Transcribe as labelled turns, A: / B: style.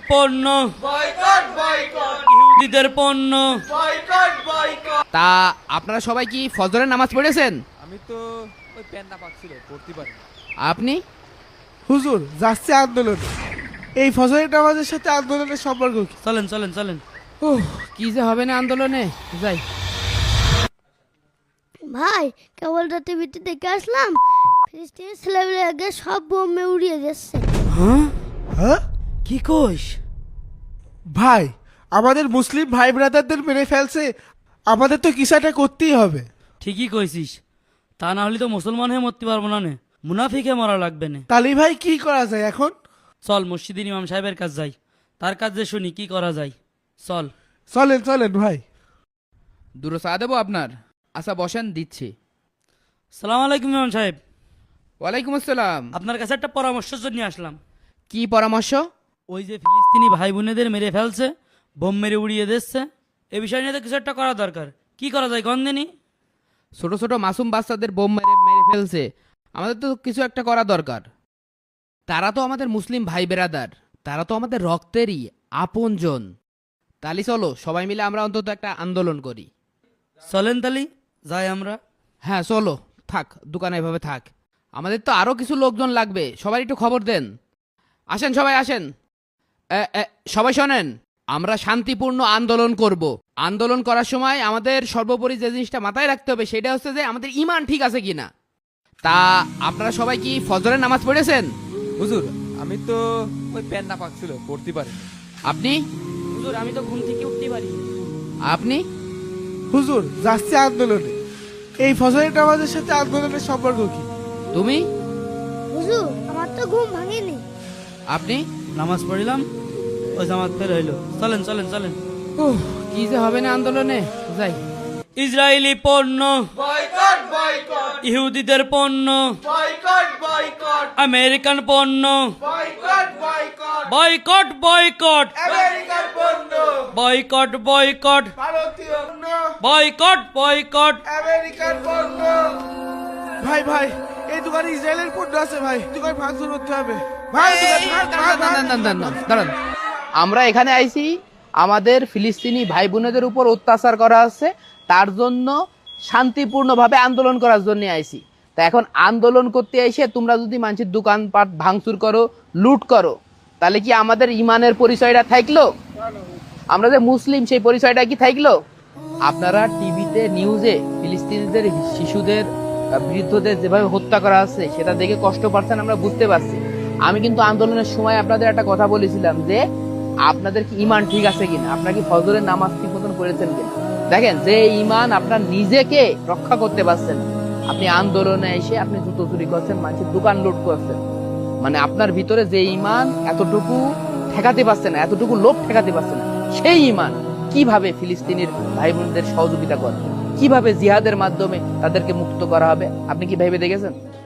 A: পণ্য
B: boycott boycott
A: ইহুদিদের পণ্য
B: বয়কট বয়কট।
C: তা আপনারা সবাই কি ফজরের নামাজ পড়েছেন?
D: আমি তো ওই প্যান্ডা পাচ্ছিল পড়তে পারি।
C: আপনি?
E: হুজুর যাচ্ছে আন্দোলন। এই ফজরের নামাজের সাথে আন্দোলনের সম্পর্ক কি?
A: চলেন চলেন চলেন।
C: কি যে হবে না আন্দোলনে, যাই।
F: ভাই কেবল টিভিতে দেখে আসলাম, ফিলিস্তিনি ছেলেমেয়ে আগে সব বোমে উড়িয়ে দিচ্ছে।
E: হ্যাঁ
A: কি কইস?
E: ভাই, আমাদের মুসলিম ভাই ব্রাদারদের মেরে ফেলছে, আমাদের তো কিছু একটা করতেই হবে।
A: ঠিকই কইছিস, তা না হলে তো মুসলমান হয়ে মরতে পারবো না নে, মুনাফিকে মরা লাগবে না।
E: তালি ভাই কি করা যায় এখন?
A: চল মসজিদের ইমাম সাহেবের কাছে যাই, তার কাছে শুনি কি করা যায়। চল।
E: চলেন চলেন ভাই।
C: দুটো চা দেবো আপনার? আচ্ছা বসেন, দিচ্ছি।
A: সালাম আলাইকুম ইমাম সাহেব।
C: ওয়ালাইকুম আসসালাম।
A: আপনার কাছে একটা পরামর্শের জন্য আসলাম।
C: কি পরামর্শ?
A: ওই যে ফিলিস্তিনি ভাই বোনেদের মেরে ফেলছে, বোম মেরে উড়িয়ে দিচ্ছে, এ বিষয় নিয়ে তো কিছু একটা করা দরকার। কি করা যায় গন্ধেনি?
C: ছোট ছোট মাসুম বাচ্চাদের বোম মেরে মেরে ফেলছে, আমাদের তো কিছু একটা করা দরকার। তারা তো আমাদের মুসলিম ভাই বেরাদার, তারা তো আমাদের রক্তেরই আপনজন। তালি চলো সবাই মিলে আমরা অন্তত একটা আন্দোলন করি।
A: চলেন তালি যাই আমরা।
C: হ্যাঁ চলো, থাক দোকানে এভাবে থাক, আমাদের তো আরো কিছু লোকজন লাগবে, সবাই একটু খবর দেন। আসেন সবাই আসেন। সবাই শোনেন, আমরা শান্তিপূর্ণ আন্দোলন করব। আন্দোলন করার সময় আমাদের সর্বোপরি যে জিনিসটা মাথায় রাখতে হবে সেটা হচ্ছে যে আমাদের ঈমান ঠিক আছে কিনা। তা আপনারা সবাই কি ফজরের নামাজ পড়েছেন?
D: হুজুর আমি তো ওই প্যান্ডা পাচ্ছিল পড়তে পারি।
C: আপনি?
A: হুজুর আমি তো ঘুম থেকে উঠতে পারি।
C: আপনি?
E: হুজুর যাচ্ছে আন্দোলনে। এই ফজরের নামাজের সাথে আন্দোলনের সম্পর্ক কি?
C: তুমি?
F: হুজুর আমার তো ঘুম ভাঙেনি।
C: আপনি?
A: নামাজ পড়িলাম, ওই জামাত ফের হইলো। চলেন চলেন চলেন।
C: কি যে হবে না আন্দোলনে, যাই।
A: ইসরায়েলি পণ্য
B: বয়কট বয়কট
A: ইহুদিদের পণ্য
B: বয়কট বয়কট
A: আমেরিকান পণ্য
B: বয়কট বয়কট
A: বয়কট বয়কট
B: আমেরিকার পণ্য
A: বয়কট বয়কট
B: ভারতীয় পণ্য
A: বয়কট বয়কট।
B: আমেরিকার পণ্য।
E: ভাই ভাই, এই দোকানে ইসরায়েলের পণ্য আছে ভাই, দোকান ভাঙচুর করতে হবে ভাই।
C: দাঁড়ান, আমরা এখানে আইছি আমাদের ফিলিস্তিনি ভাই বোনেদের উপর অত্যাচার করা হচ্ছে, তার জন্য শান্তিপূর্ণভাবে আন্দোলন করার জন্য আইছি। তা এখন আন্দোলন করতে এসে তোমরা যদি মানুষের দোকানপাট ভাঙচুর করো, লুট করো, তাহলে কি আমাদের ইমানের পরিচয়টা থাকলো? আমরা যে মুসলিম সেই পরিচয়টা কি থাকলো? আপনারা টিভিতে নিউজে ফিলিস্তিনিদের শিশুদের বৃদ্ধদের যেভাবে হত্যা করা হচ্ছে সেটা দেখে কষ্ট পাচ্ছেন, আমরা বুঝতে পারছি। আমি কিন্তু আন্দোলনের সময় আপনাদের একটা কথা বলেছিলাম যে আপনাদের কি ইমান ঠিক আছে কিনা, আপনারা কি ফজরের নামাজ ঠিক মতন পড়েছেন কিনা। দেখেন, যে ইমান আপনার নিজেকে রক্ষা করতে পারছেন, আপনি আন্দোলনে এসে আপনি জুতো চুরি করছেন, মানুষের দোকান লুট করছেন, মানে আপনার ভিতরে যে ইমান এতটুকু ঠেকাতে পারছে না, এতটুকু লোভ ঠেকাতে পারছে না, সেই ইমান কিভাবে ফিলিস্তিনির ভাই বোনদের সহযোগিতা করবে, কিভাবে জিহাদের মাধ্যমে তাদেরকে মুক্ত করা হবে, আপনি কি ভেবে দেখেছেন?